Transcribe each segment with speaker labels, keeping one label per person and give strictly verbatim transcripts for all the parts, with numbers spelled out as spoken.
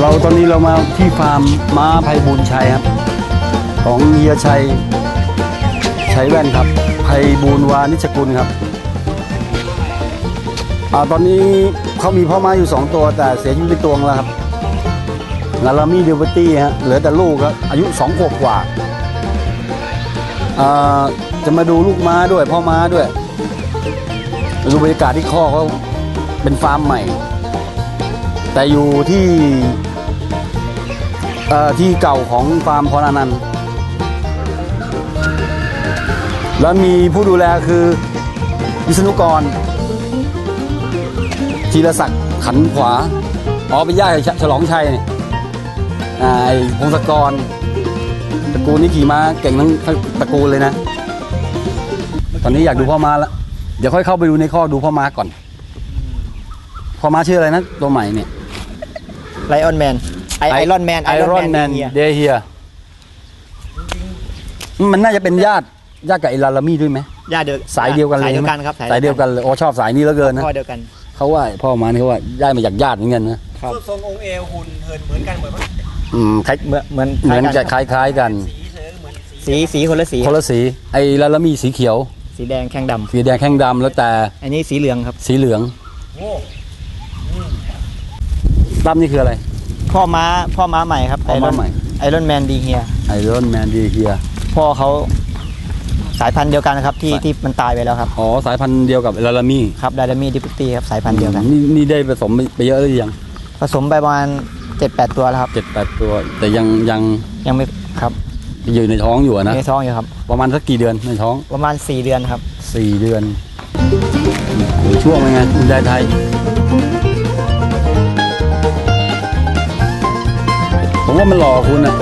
Speaker 1: เราตอนนี้เรามาที่ฟาร์มม้าไพบูลย์ชัยครับของเฮียชัยชัยแว่นครับไพบูลย์วานิชกุลครับอ่าตอนนี้เขามีพ่อม้าอยู่สองตัวแต่เสียชีวิตไปตัวนึงแล้วครับลาลามี่เดลเวอร์ตี้ฮะเหลือแต่ลูกครับอายุสองขวบกว่าอ่าจะมาดูลูกม้าด้วยพ่อม้าด้วยดูบรรยากาศที่คอกเขาเป็นฟาร์มใหม่แต่อยู่ที่ที่เก่าของฟาร์มพรอนันต์แล้วมีผู้ดูแลคือวิษณุกรธีรศักดิ์ขันขวาอ๋อเป็นญาติฉลองชัยนี่ไอ้พงศกรตระกูลนี้ขี่ม้าเก่งทั้งตระกูลเลยนะตอนนี้อยากดูพ่อม้าแล้วเดี๋ยวค่อยเข้าไปดูในข้อดูพ่อม้าก่อนพ่อม้าชื่ออะไรนะตัวใหม่เนี่ย
Speaker 2: ไลออนแมนไอไอรอนแมน
Speaker 1: ไอรอนแมนเดเฮียมันน่าจะเป็นญาติญาติกับไอลาลามี่ด้วยไหม
Speaker 2: ญาติเดียว
Speaker 1: สายเดียวกันเลย
Speaker 2: สายเดียวกันครับ
Speaker 1: สายเดียวกันเลยโอ้ชอบสายนี้เหลือเกินนะ
Speaker 2: พ่อเดียวกัน
Speaker 1: เขาว่าพ่อมาเนี่ยเขาว่าได้มาจากญาติเหมือนกันนะครับ
Speaker 3: ทรงองค์เอวหุ่นเหินเหมือนกันเหมือน
Speaker 1: อืมคล้าย
Speaker 2: เหมือนเหมือน
Speaker 1: เหมือนจะคล้ายๆกัน
Speaker 2: สีสีคนละสี
Speaker 1: คนละสีไอลาลามี่สีเขียว
Speaker 2: สีแดงแข้งดำ
Speaker 1: สีแดงแข้งดำแล้วแต่
Speaker 2: อันนี้สีเหลืองครับ
Speaker 1: สีเหลืองตั้มนี่คืออะไร
Speaker 2: พ่อม้าพ่อม้าใหม่ครับ
Speaker 1: พ่อม้าใหม่
Speaker 2: ไอรอนแมนดีเฮีย
Speaker 1: ไอรอนแมนดีเฮีย
Speaker 2: พ่อเขาสายพันธุ์เดียวกันครับที่ที่มันตายไปแล้วครับ
Speaker 1: อ๋อสายพันธุ์เดียวกับลาลามี่
Speaker 2: ครับลาลามี่ดิปตี้ครับสายพันธุ์เดียวกัน
Speaker 1: นี่นี่ได้ผสมไปเยอะหรือยัง
Speaker 2: ผสมไปประมาณเจ็ดแปดตัวแล้วครับ
Speaker 1: เจ็ดแปดตัวแต่ยังยัง
Speaker 2: ยังไม่ครับ
Speaker 1: อยู่ในท้องอยู่นะ
Speaker 2: ในท้องอยู่ครับ
Speaker 1: ประมาณสักกี่เดือนในท้อง
Speaker 2: ประมาณสี่เดือนครับ
Speaker 1: สี่เดือนช่วงเป็นไงคุณยายไทยผมว่ามันหล่อคุณอ่ะ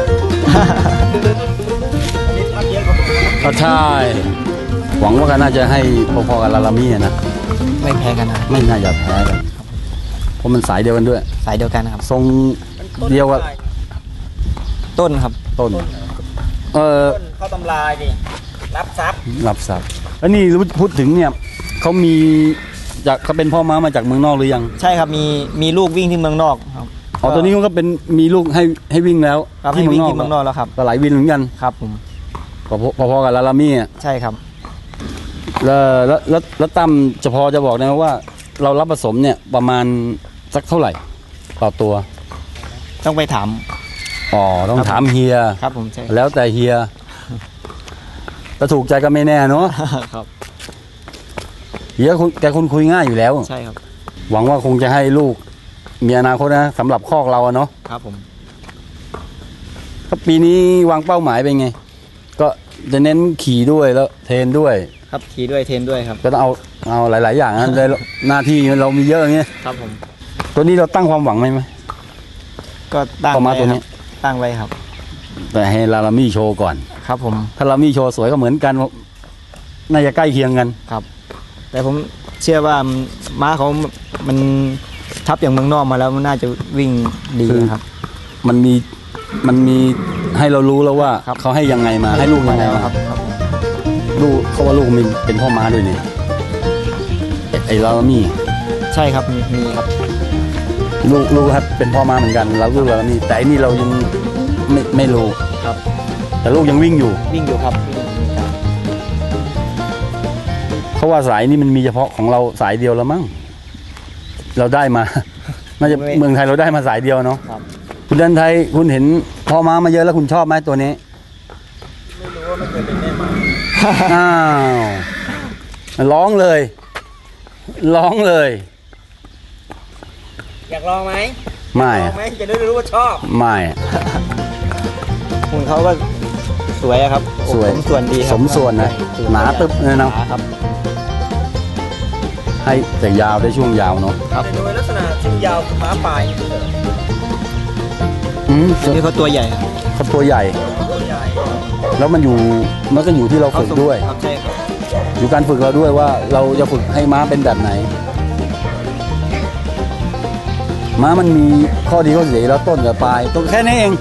Speaker 1: ก็ใช่หวังว่ากันน่าจะให้พอๆกับลาลามี่นะ
Speaker 2: ไม่แพ้กันนะ
Speaker 1: ไม่น่าจะแพ้กันเพราะมันสายเดียวกันด้วย
Speaker 2: สายเดียวกันครับ
Speaker 1: ทรงเดียวกับ
Speaker 2: ต้นครับ
Speaker 1: ต้นเออ
Speaker 3: เขาตำลายดิรับทรัพย์
Speaker 1: รับทรัพย์แล้วนี่พูดถึงเนี่ยเขามีจากเขาเป็นพ่อม้ามาจากเมืองนอกหรือยัง
Speaker 2: ใช่ครับมีมีลูกวิ่งที่เมืองนอกครับ
Speaker 1: อ๋อตัวนี้ก็เป็นมีลูกให้ให้วิ่งแล้ว
Speaker 2: ที่เมืองนอกที่เมืองนอกแล้วครับ
Speaker 1: ก็หลายวินเหมือนกัน
Speaker 2: ครับผม
Speaker 1: พอๆกับลาลามี่อ่ะ
Speaker 2: ใช่ครับ
Speaker 1: แล้วแล้วแล้วตั้มจะพอจะบอกได้ไหมว่าเรารับผสมเนี่ยประมาณสักเท่าไหร่ต่อตัว
Speaker 2: ต้องไปถาม
Speaker 1: อ๋อต้องถามเฮีย
Speaker 2: ครับผมใช่
Speaker 1: แล้วแต่เฮียถ้าถูกใจก็ไม่แน่เนาะ
Speaker 2: ครับ
Speaker 1: เฮียแกคนคุยง่ายอยู่แล้ว
Speaker 2: ใช่ครับ
Speaker 1: หวังว่าคงจะให้ลูกมีอนาคตนะสำหรับคอกเราเนาะ
Speaker 2: ครับผม
Speaker 1: ปีนี้วางเป้าหมายเป็นไงก็จะเน้นขี่ด้วยแล้วเทรนด้วย
Speaker 2: ครับขี่ด้วยเทรนด้วยครับ
Speaker 1: ก็ต้องเอาเอาหลายๆอย่างนะในหน้าที่เรามีเยอะอย่างเงี้ย
Speaker 2: ครับผม
Speaker 1: ตัวนี้เราตั้งความหวังไหมไหม
Speaker 2: ก็ตั้ง
Speaker 1: ไว้ตัวนี้
Speaker 2: ตั้งไว้ครับ
Speaker 1: แต่ให้ลาลามี่โชว์ก่อน
Speaker 2: ครับผม
Speaker 1: ถ้าลาลามี่โชว์สวยก็เหมือนกันน่าจะใกล้เคียงกัน
Speaker 2: ครับแต่ผมเชื่อว่าม้าเขามันทับอย่างเมืองนอกมาแล้วมันน่าจะวิ่งดีครับ
Speaker 1: มันมีมันมีให้เรารู้แล้วว่าเขาให้ยังไงมาให้ลูกยังไงมาครับลูกเขาว่าลูกมีเป็นพ่อม้าด้วยเนี่ยไอ้ลาลามี่
Speaker 2: ใช่ครับมีมีครับ
Speaker 1: ลูกลูกครับเป็นพ่อม้าเหมือนกันแล้วลูกลาลามี่แต่อันนี้เรายังไม่ไม่รู้
Speaker 2: ครับ
Speaker 1: แต่ลูกยังวิ่งอยู่
Speaker 2: วิ่งอยู่ครับ
Speaker 1: เขาว่าสายนี้มันมีเฉพาะของเราสายเดียวแล้วมั้งเราได้มาน่าจะเมืองไทยเราได้มาสายเดียวเนาะคุณดันไทยคุณเห็นพ่อม้ามาเยอะแล้วคุณชอบไหมตัวนี้
Speaker 3: ไม่รู้ว่าไม่เคยเป็นแม่ม้า
Speaker 1: อ้าวร้องเลยร้องเลย
Speaker 3: อยากลองไหม
Speaker 1: ไม่
Speaker 3: ลองไหมจะได้รู้ว่าชอบ
Speaker 1: ไม่
Speaker 2: คุณเขาก็สวยครับ
Speaker 1: สวย
Speaker 2: สมส่วนดี
Speaker 1: สมส่วนนะหนาตึ๊บเลยนะครับให้แต่ยาวได้ช่วงยาวเนาะ
Speaker 3: ครับโดยลักษณะช่วงยาวคือม้าปลาย
Speaker 1: อืม
Speaker 2: นี่เขาตัวใหญ่
Speaker 1: เขาตัวใหญ่แล้วมันอยู่มันก็อยู่ที่เราฝึกด้วย
Speaker 2: ครับใช่ครับ
Speaker 1: อยู่การฝึกเราด้วยว่าเราจะฝึกให้ม้าเป็นแบบไหนม้ามันมีข้อดีข้อเสียแล้วต้นกับปลายตรงแค่นี้เอง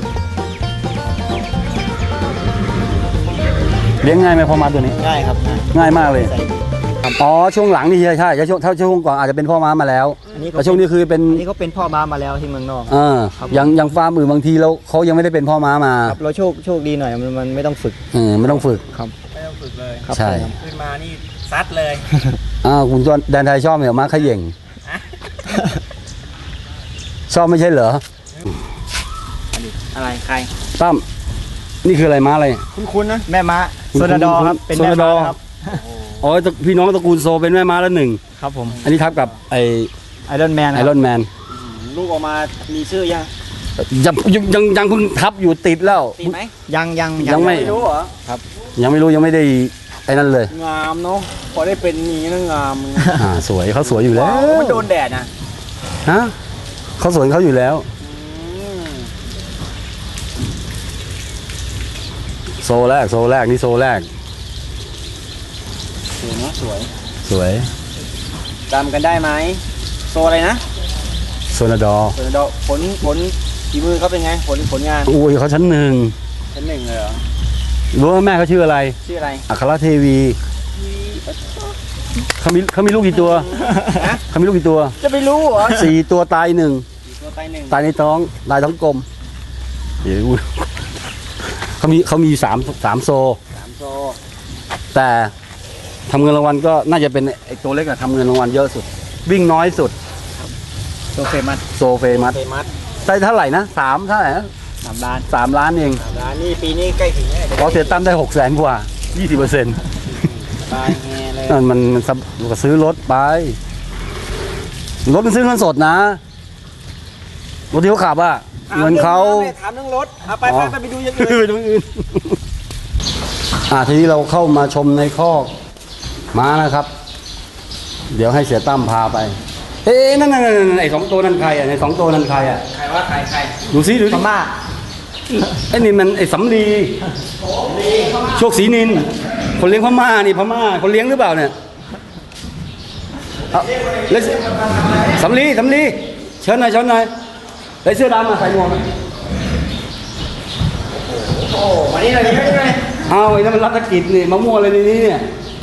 Speaker 1: เลี้ยงง่ายไหมพ่อม้าตัวนี้
Speaker 2: ง่ายครับ
Speaker 1: ง่ายมากเลยอ๋อช่วงหลังนี่ใช่ใช่ช่วงถ้าช่วงก่อนอาจจะเป็นพ่อม้ามาแล้ว
Speaker 2: อันนี้เขา
Speaker 1: แต่ช่วงนี้คือเป็น
Speaker 2: อันนี้เขาเป็นพ่อม้ามาแล้วที่เมืองนอก
Speaker 1: อ่า
Speaker 2: ครับ
Speaker 1: อย่างอย่างฟาร์มอื่นบางทีเราเขายังไม่ได้เป็นพ่อม้ามา
Speaker 2: ครับเราโชคโชคดีหน่อยมันมันไม่ต้องฝึก
Speaker 1: เออไม่ต้องฝึก
Speaker 2: ครับ
Speaker 3: ไม่ต้องฝึกเลย
Speaker 2: ครับ
Speaker 1: ใช่
Speaker 2: ผม
Speaker 3: ขึ้นมานี่ซัดเลย
Speaker 1: อ้าวคุณจอนแดนไทยชอบเหรอม้าเขย่ง
Speaker 3: อะ
Speaker 1: ชอบไม่ใช่เหรอ
Speaker 3: อะไรใคร
Speaker 1: ตั้มนี่คืออะไรม้าอะไร
Speaker 3: คุณคุณนะ
Speaker 2: แม่ม้า
Speaker 1: คุณ
Speaker 2: โซนาดอครับ
Speaker 1: คุณ
Speaker 2: เป็นแม่
Speaker 1: โซนาด
Speaker 2: ม้า
Speaker 1: อ
Speaker 2: ครับ
Speaker 1: อ๋อตระพี่น้องตระกูลโซเป็นแม่ม้าแล้วหนึ่ง
Speaker 2: ครับผม
Speaker 1: อันนี้ทับกับไอ
Speaker 2: ไอรอนแมน
Speaker 1: ไอรอนแมน
Speaker 3: ลูกออกมามีชื่อยัง
Speaker 1: ยังยังยังยังเพิ่งทับอยู่ติดแล้ว
Speaker 3: ติดไหม
Speaker 2: ยังยัง
Speaker 1: ยังไม่
Speaker 3: ไม่รู้เหรอ
Speaker 1: ยังไม่รู้ยังไม่ได้ไอ้นั่นเลย
Speaker 3: งามเนาะพอได้เป็นอย่างนี้นะงาม
Speaker 1: อ่าสวยเขาสวยอยู่แล้ว
Speaker 3: มันโดนแดดนะ
Speaker 1: ฮะเขาสวยเขาอยู่แล้ว
Speaker 3: อืม
Speaker 1: โซแรกโซแรกนี่โซแรก
Speaker 3: สวยเนาะสวย
Speaker 1: สวย
Speaker 3: จำกันได้ไหมโซอะไรนะ
Speaker 1: โซนาดอ
Speaker 3: ผลดอกผลผลฝีมือเขาเป็นไงผลผลงาน
Speaker 1: อุ้ยเขาชั้นหนึ่ง
Speaker 3: ชั้นหนึ่งเลยเหรอ
Speaker 1: รู้ว่าแม่เขาชื่ออะไร
Speaker 3: ชื่ออะไร
Speaker 1: อัครเทวีเขามีเขามีลูกกี่ตัว
Speaker 3: ฮะ
Speaker 1: เขามีลูกกี่ตัว
Speaker 3: จะไปรู้เหรอ
Speaker 1: สี่ตัวตายหนึ่ง
Speaker 3: ตัวไตหนึ่ง
Speaker 1: ตายในท้องตายท้องกลมเดี๋ยวอุ๊ยเขามีเขามีสามสามโซ
Speaker 3: สามโซ
Speaker 1: แต่ทำเงินรางวัลก็น่าจะเป็นไอ้ตัวเล็กอะทำเงินรางวัลเยอะสุด วิ่งน้อยสุด
Speaker 3: โซเฟมัส
Speaker 1: โซเฟมัส
Speaker 3: เฟมัส
Speaker 1: ได้เท่าไหร่นะสามเท่าไหร่นะ
Speaker 3: สามล้าน
Speaker 1: สามล้านเอง
Speaker 3: สามล้านนี่ปีนี้ใกล้ถึงแล้ว
Speaker 1: พอเสียตั้มได้หกแสนกว่ายี่สิบเปอร์เซ็นต์
Speaker 3: ตายแฮเลย
Speaker 1: นั่นมันมันซับก็ซื้อรถไป รถมันซื้อเงินสดนะ รถที่เขาขับอะเงินเขา
Speaker 3: ถามเรื่องรถเอาไป
Speaker 1: อ๋
Speaker 3: ไป
Speaker 1: อ
Speaker 3: ไปไปดูอย่างอื่น
Speaker 1: ไปตรงอื่นอ่าทีนี้เราเข้ามาชมในคอกม้านะครับ เดี๋ยวให้เสียตั้มพาไป เอ๊ะนั่นนั่นนั่นไอ้สองตัวนั่นใครอ่ะไอ้สองตัวนั่นใครอ่ะ
Speaker 3: ใครว่าใครใคร
Speaker 1: ดูซิดู
Speaker 2: พ
Speaker 1: สิ
Speaker 2: ม่า
Speaker 1: ไอ้นี่มันไอ้สำลีโชคศรีนิน คนเลี้ยงพม่านี่พม่าคนเลี้ยงหรือเปล่าเนี่ยเอาแล้วสำลีสำลีเชิญหน่อยเชิญหน่อยไอ้เสื้อดำมาใส่หมวกไหม
Speaker 3: โอ้มานี่เลยนี่เลย
Speaker 1: เอาไอ้นั่นมันรัฐกิจนี่มะม่วงอะไรในนี้เนี่ย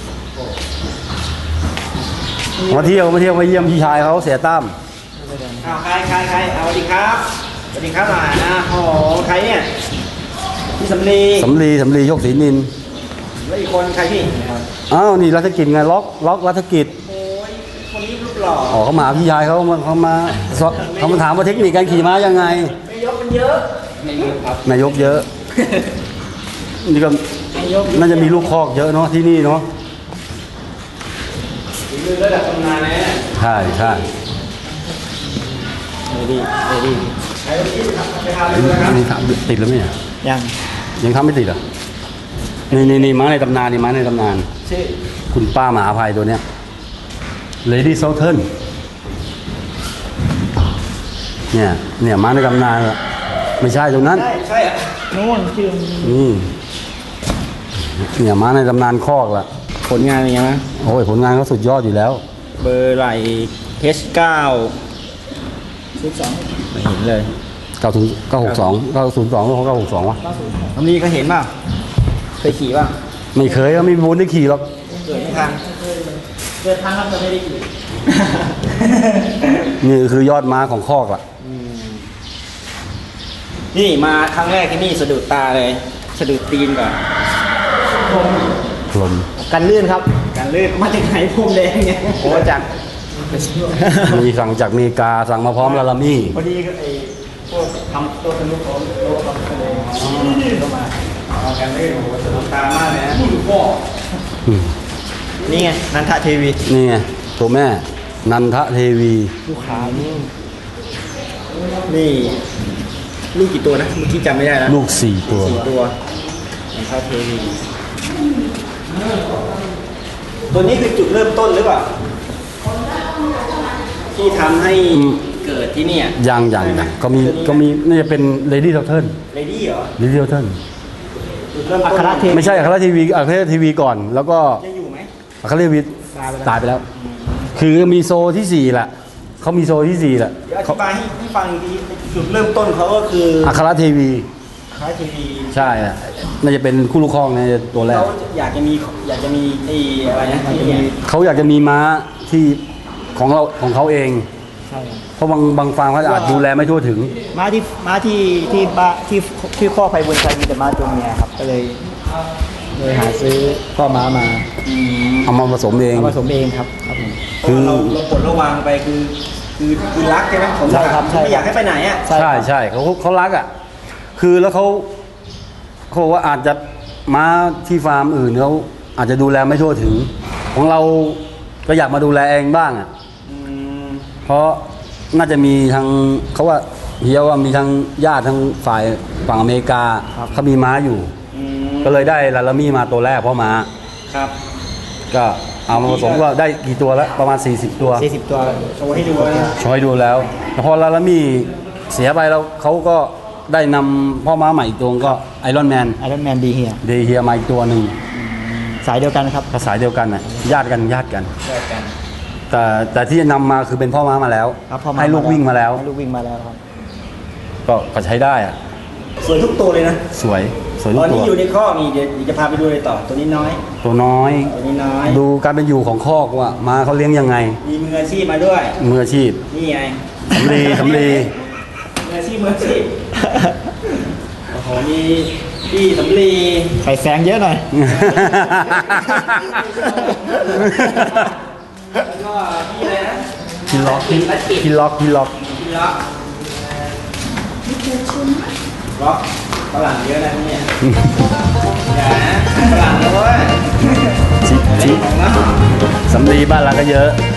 Speaker 1: มาเที่ยวมาเที่ยวมาเยี่ยมพี่ชายเขาเสียตั้ม
Speaker 3: เอาใครใครใครเอาสวัสดีครับสวัสดีครับหลานนะโอ้โหใครเนี่ยพี่สำลี
Speaker 1: สำลีสำลีโชคศรีนิน
Speaker 3: แล้วอีกคนใครพี่
Speaker 1: อ้าวนี่รัฐกิจไงล็อกล็อกรัฐกิจ
Speaker 3: โอ้ยคนนี้รูปหล่อ
Speaker 1: อ๋อเขามาหาพี่ชายเขามาเขามาสอบเขามาถามว่าเทคนิคการขี่ม้ายังไง
Speaker 3: ไม่ยกมันเยอะไม่เยอะครับ
Speaker 1: นายกเยอะ นี่ก็
Speaker 3: ไม่ยก
Speaker 1: น่าจะมีลูกคอกเยอะเนาะที่นี่เนาะ
Speaker 3: ฝีมือระดับตำนานนะ
Speaker 1: ใช่ใช่
Speaker 2: เอดีเอดี
Speaker 3: ใครที่ไปทำเลยครับ
Speaker 1: นี่ทำติดแล้วไหมเนี่ย
Speaker 2: ยัง
Speaker 1: ยังทำไม่ติดเหรอนี่นี่นี่ม้าในตำนานนี่ม้าในตำนาน
Speaker 3: ชื่อ
Speaker 1: คุณป้ามหาภัยตัวเนี้ย Lady Southern เนี่ยเนี่ยม้าในตำนานอะไม่ใช่ตรงนั้น
Speaker 3: ใช่ใช่อะนู่นชื่อ
Speaker 1: นี่เนี่ยม้าในตำนานคอกละ
Speaker 3: ผลงานเป็นยังไง
Speaker 1: โอ้ยผลงานเขาสุดยอดอยู่แล้ว
Speaker 3: เบอร์ไหลเอชเก้าสิบสองไม่เห็นเลย
Speaker 1: เก้าถึงเก้าหกสองเก้าศูนย์สองหรือเก้าหกสองวะ
Speaker 3: น้ำนี้ก็เห็นป่ะเคยขี่ป่ะ
Speaker 1: ไม่เคยก็ไม่มีบุญได้ขี่หรอก
Speaker 3: เกิดไม่ทันเกิดทันครับจะไม่ได้ขี่
Speaker 1: นี่คือยอดม้าของคอกล่ะ
Speaker 3: นี่มาครั้งแรกที่นี่สะดุดตาเลยสะดุดตีนก่อน
Speaker 1: ลม
Speaker 2: กันลื่นครับ
Speaker 3: การลื่นมาจากไหนพรมแดงเนี่ยโอ้จาก
Speaker 1: มีสั่งจากอเมริกาสั่งมาพร้อมลาลามี่
Speaker 3: พอดีก็ไอ้พวกทำตัวสนุกของโลกทำทะเลเข้ามาเอาการลื่นโอ้โหสนุกตามากเลยนะพ่อ
Speaker 1: อืม
Speaker 2: นี่ไงนันทะเทวี
Speaker 1: นี่ไงตัวแม่ นันทเทวี
Speaker 2: ลูกค้านี่
Speaker 3: นี่ลูกกี่ตัวนะเมื่อกี้จำไม่ได้แล้ว
Speaker 1: ลูกสี่ตัว
Speaker 3: สี่ตัวของข้าวเทวีตัวนี้คือจุดเริ่มต้นหรือเปล่าที่ทำให้เกิดที่เนี่ย
Speaker 1: ยังยังยังก็มีก็มีน่าจะเป็นเลดี้เทลเทิร์น
Speaker 3: เลดี้เหรอ
Speaker 1: เลดี้เทลเทิร์น
Speaker 3: จุดเริ่ม
Speaker 2: อั
Speaker 3: ต้น
Speaker 2: ครเทวี
Speaker 1: ไม่ใช่อัครทีวีอัครทีวีก่อน แล้วก็
Speaker 3: ยังอยู่ไหม
Speaker 1: อัครทีวีตายไปแล้ว คือมีโซที่สี่แหละเขามีโซที่สี่แหละ
Speaker 3: เดี๋ยวอธิบายให้ให้ฟังอีกทีจุดเริ่มต้นเขาก็คือ
Speaker 1: อัครทีวี
Speaker 3: ข้าวเทวี
Speaker 1: ใช่อะน่าจะเป็นคู่ลูกครองในตัวแรก
Speaker 3: เขาอยากจะมีอยากจะมีไอ้อะไรนะที่เนี่ย
Speaker 1: เขาอยากจะมีม้าที่ของเราของเขาเอง
Speaker 2: ใช่ครับ
Speaker 1: เพราะบางบางฟาร์มเขาอาจดูแลไม่ทั่วถึง
Speaker 2: ม้าที่ม้าที่ที่บ้านที่ที่ข้อไพบุญชัยมีแต่ม้าตัวเมียครับ ก็เลยเลยหาซื้อพ่อม้ามา
Speaker 1: เอามาผสมเอง
Speaker 2: เอาผสมเองครับครับผม
Speaker 3: คือเราเราปลดระวางไปคือคือคือรักใช่ไหมผม
Speaker 2: ใช่ครับใช่
Speaker 3: ไม่อยากให้ไปไหนอ่ะ
Speaker 1: ใช่ใช่เขาเขารักอ่ะคือแล้วเขาเขาบอกว่าอาจจะม้าที่ฟาร์มอื่นเขาอาจจะดูแลไม่ทั่วถึง ของเราก็อยากมาดูแลเองบ้างอ่ะ
Speaker 3: อืม
Speaker 1: เพราะน่าจะมีทางเขาว่าเฮียว่ามีทางญาติทางฝ่ายฝั่งอเมริกาเขามีม้าอยู่
Speaker 3: อืม
Speaker 1: ก็เลยได้ลาลามี่มาตัวแรกเพราะม้า
Speaker 3: ครับ
Speaker 1: ก็เอามาผสมก็ได้กี่ตัวแล้วประมาณ สี่สิบ ตัว
Speaker 2: สี่สิบตัว
Speaker 3: โชว์ให้ดูนะ
Speaker 1: ช่วยดูแล้วแต่พอลาลามี่เสียไปแล้วเขาก็ได้นำพ่อม้าใหม่อีกตัวก็ไอรอนแมน
Speaker 2: ไอรอนแมนดีเฮีย
Speaker 1: เดเฮียมาอีกตัวหนึ่ง
Speaker 2: สายเดียวกันครับ
Speaker 1: ภาษายเดียวกันน่ะญาติกันญาติกัน
Speaker 3: แยกกัน
Speaker 1: แต่แต่ที่นำมาคือเป็นพ่อม้ามาแล้ว
Speaker 2: ครับพ่อม้า
Speaker 1: ให้ลูกวิ่งมาแล้ว
Speaker 2: ให้ลูกวิ่งมาแล้วครับ
Speaker 1: ก็ก็ใช้ได้อะ
Speaker 3: สวยทุกตัวเลยนะ
Speaker 1: สวยสวยทุ
Speaker 3: ต
Speaker 1: ก
Speaker 3: อน
Speaker 1: ตั
Speaker 3: นี้
Speaker 1: ว
Speaker 3: อยู่ในข้อกนี่เดี๋ยวเดี๋ยวจะพาไปดูเลยต่อตัวนี้น้อย
Speaker 1: ตัวน้อย
Speaker 3: ตัวนี้น้อย
Speaker 1: ดูการเป็นอยู่ของคอกว่าม้าเขาเลี้ยงยังไง
Speaker 3: มีมืออาชีพมาด้วย
Speaker 1: มืออาชีพ
Speaker 3: นี่ไง
Speaker 1: สำลีสำลี
Speaker 3: มืออาชีพมืออาชีพโอ้โหมีพี่สำลี
Speaker 2: ไข่แซงเยอะหน่อย
Speaker 3: แล้วก็พี่อะไรนะ
Speaker 1: กินล็อกกินล็อกกินล็อก
Speaker 3: พี่ล็อกล็อกฝรั่งเยอะนะที่เนี่ยอย่านะฝรั่งนะเว้ย
Speaker 1: ชิชิ
Speaker 3: ของเรา
Speaker 1: สำลีบ้านเราก็เยอะ
Speaker 3: เ